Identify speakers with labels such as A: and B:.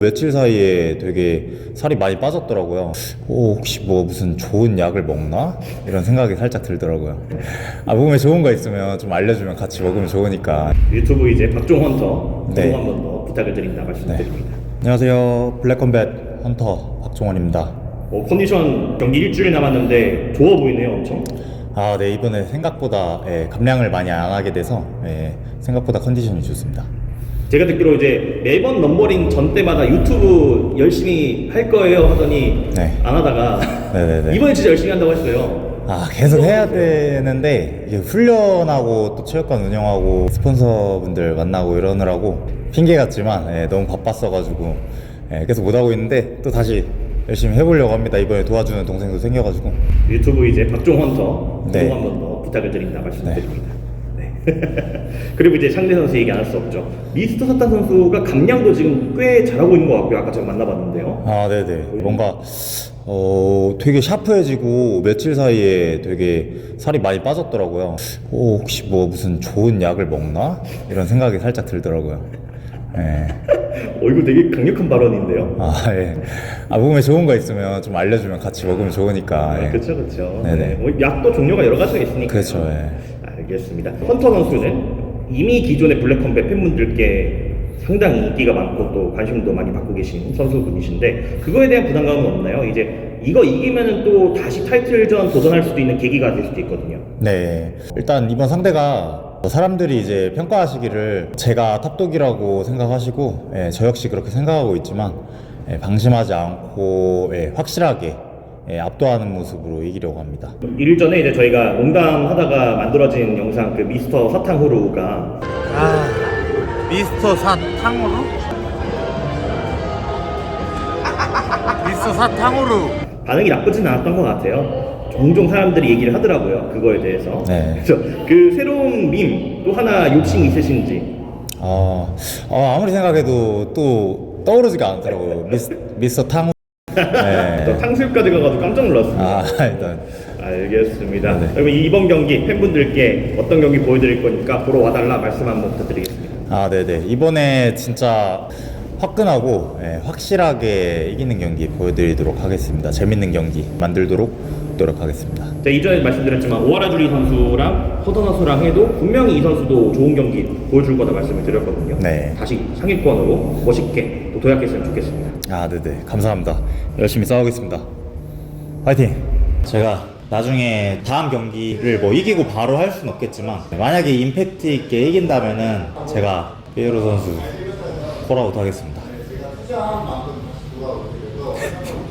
A: 며칠 사이에 되게 살이 많이 빠졌더라고요. 혹시 뭐 무슨 좋은 약을 먹나? 이런 생각이 살짝 들더라고요. 몸에 좋은 거 있으면 좀 알려주면 같이 먹으면 좋으니까.
B: 유튜브 이제 박종 헌터 구독
A: 네.
B: 한번 더 부탁을 드린다 말씀드립니다.
A: 안녕하세요. 블랙컴뱃 헌터 박종원입니다.
B: 컨디션 경기 일주일 남았는데 좋아 보이네요, 엄청.
A: 네, 이번에 생각보다 감량을 많이 안 하게 돼서 생각보다 컨디션이 좋습니다.
B: 제가 듣기로 이제 매번 넘버링 전 때마다 유튜브 열심히 할 거예요 하더니
A: 네.
B: 안 하다가
A: 네네네.
B: 이번에 진짜 열심히 한다고 했어요.
A: 계속 해야 되는데 이게 훈련하고 또 체육관 운영하고 스폰서분들 만나고 이러느라고 핑계 같지만 너무 바빴어가지고 계속 못하고 있는데 또 다시 열심히 해보려고 합니다. 이번에 도와주는 동생도 생겨가지고.
B: 유튜브 이제 박종 헌터 구독
A: 네.
B: 한번 더 부탁을 드린다 말씀드립니다. 네. 그리고 이제 상대 선수 얘기 안 할 수 없죠. 미스터 사탄 선수가 감량도 지금 꽤 잘하고 있는 것 같고요. 아까 제가 만나봤는데요.
A: 네네. 뭔가 되게 샤프해지고 며칠 사이에 되게 살이 많이 빠졌더라고요. 혹시 뭐 무슨 좋은 약을 먹나? 이런 생각이 살짝 들더라고요.
B: 이거 되게 강력한 발언인데요.
A: 예. 몸에 좋은 거 있으면 좀 알려주면 같이 먹으면 좋으니까.
B: 그렇죠, 그렇죠.
A: 네네.
B: 뭐 약도 종류가 여러 가지가 있으니까.
A: 그렇죠.
B: 알겠습니다. 헌터 선수는 이미 기존의 블랙컴뱃 팬분들께 상당히 인기가 많고 또 관심도 많이 받고 계신 선수분이신데 그거에 대한 부담감은 없나요? 이제 이거 이기면은 또 다시 타이틀전 도전할 수도 있는 계기가 될 수도 있거든요.
A: 네. 일단 이번 상대가 사람들이 이제 평가하시기를 제가 탑독이라고 생각하시고 저 역시 그렇게 생각하고 있지만 방심하지 않고 확실하게 압도하는 모습으로 이기려고 합니다.
B: 일전에 이제 저희가 농담하다가 만들어진 영상 그 미스터 사탕후루가
C: 미스터 사탕후루? 미스터 사탕후루.
B: 반응이 나쁘진 않았던 것 같아요. 종종 사람들이 얘기를 하더라고요. 그거에 대해서.
A: 네.
B: 그래서 그 새로운 밈 또 하나 욕심 있으신지.
A: 아무리 생각해도 또 떠오르지가 않더라고요. 미스터 탕.
B: 또 탕수육까지 가가지고 깜짝 놀랐습니다.
A: 일단.
B: 알겠습니다.
A: 네.
B: 그러면 이번 경기 팬분들께 어떤 경기 보여드릴 거니까 보러 와달라 말씀 한번 부탁드리겠습니다.
A: 네네. 이번에 진짜 화끈하고 확실하게 이기는 경기 보여드리도록 하겠습니다. 재밌는 경기 만들도록 노력하겠습니다.
B: 자, 이전에 말씀드렸지만 오하라 주리 선수랑 허더 선수랑 해도 분명히 이 선수도 좋은 경기 보여줄 거다 말씀을 드렸거든요.
A: 네.
B: 다시 상위권으로 멋있게 또 도약했으면 좋겠습니다.
A: 네네. 감사합니다. 열심히 싸우겠습니다. 화이팅! 제가 나중에 다음 경기를 뭐 이기고 바로 할 수는 없겠지만 만약에 임팩트 있게 이긴다면은 제가 피에로 선수 콜아웃 하겠습니다.